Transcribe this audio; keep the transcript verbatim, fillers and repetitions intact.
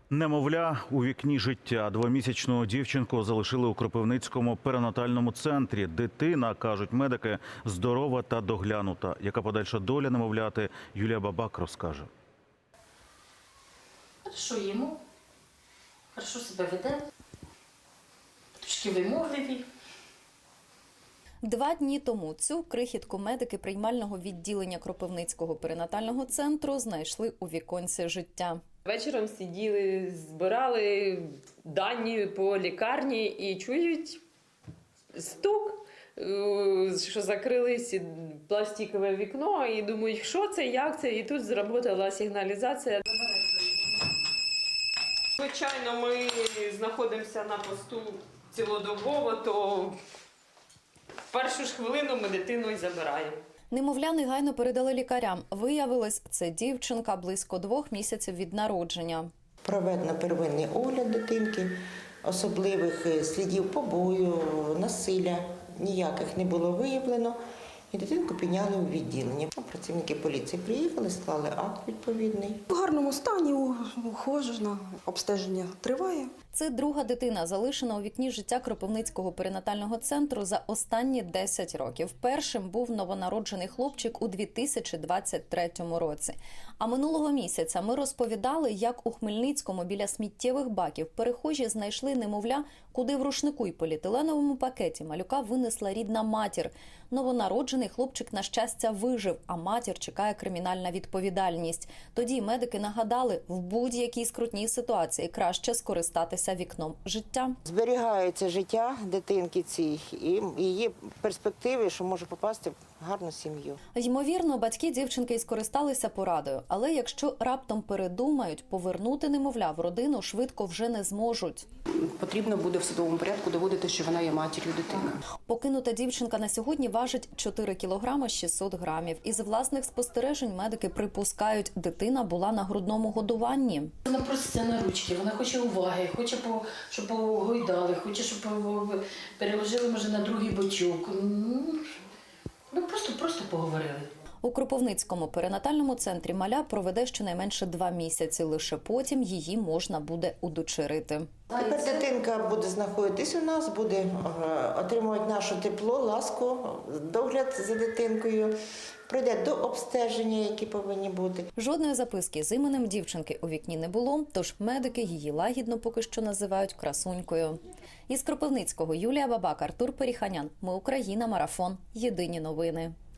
Немовля у вікні життя. Двомісячну дівчинку залишили у Кропивницькому перинатальному центрі. Дитина, кажуть медики, здорова та доглянута. Яка подальша доля немовляти, Юлія Бабак розкаже. Хорошо їмо, хорошо себе веде, трішки вимогливі. Два дні тому цю крихітку медики приймального відділення Кропивницького перинатального центру знайшли у віконці життя. Вечором сиділи, збирали дані по лікарні і чують стук, що закрились пластикове вікно, і думають, що це, як це, і тут зробила сигналізація. Звичайно, ми знаходимося на посту цілодобово, то в першу ж хвилину ми дитину і забираємо. Немовля негайно передали лікарям. Виявилось, це дівчинка близько двох місяців від народження. Проведено первинний огляд дитинки, особливих слідів побою, насилля ніяких не було виявлено. І дитинку підняли у відділення. Працівники поліції приїхали, склали акт відповідний. В гарному стані, ухожена, обстеження триває. Це друга дитина, залишена у вікні життя Кропивницького перинатального центру за останні десять років. Першим був новонароджений хлопчик у дві тисячі двадцять третьому році. А минулого місяця ми розповідали, як у Хмельницькому біля сміттєвих баків перехожі знайшли немовля, куди в рушнику й поліетиленовому пакеті малюка винесла рідна матір. Новонароджений хлопчик, на щастя, вижив, а матір чекає кримінальна відповідальність. Тоді медики нагадали, в будь-якій скрутній ситуації краще скористатися вікном життя. Зберігається життя дитинки цій і її перспективи, що може попасти в гарну сім'ю. Ймовірно, батьки дівчинки й скористалися порадою. Але якщо раптом передумають, повернути немовля в родину швидко вже не зможуть. Потрібно буде в судовому порядку доводити, що вона є матір'ю дитини. Покинута дівчинка на сьогодні важить чотири кілограми шістсот грамів. Із власних спостережень медики припускають, дитина була на грудному годуванні. Вона проситься на ручки, вона хоче уваги, хоче, щоб погойдали, хоче, щоб переложили, може, на другий бочок. Ну, просто, просто поговорили. У Кропивницькому перинатальному центрі маля проведе щонайменше два місяці. Лише потім її можна буде удочерити. Тепер дитинка буде знаходитись у нас, буде отримувати наше тепло, ласку, догляд за дитинкою, пройде до обстеження, які повинні бути. Жодної записки з іменем дівчинки у вікні не було, тож медики її лагідно поки що називають красунькою. Із Кропивницького Юлія Бабак, Артур Періханян. Ми Україна. Марафон. Єдині новини.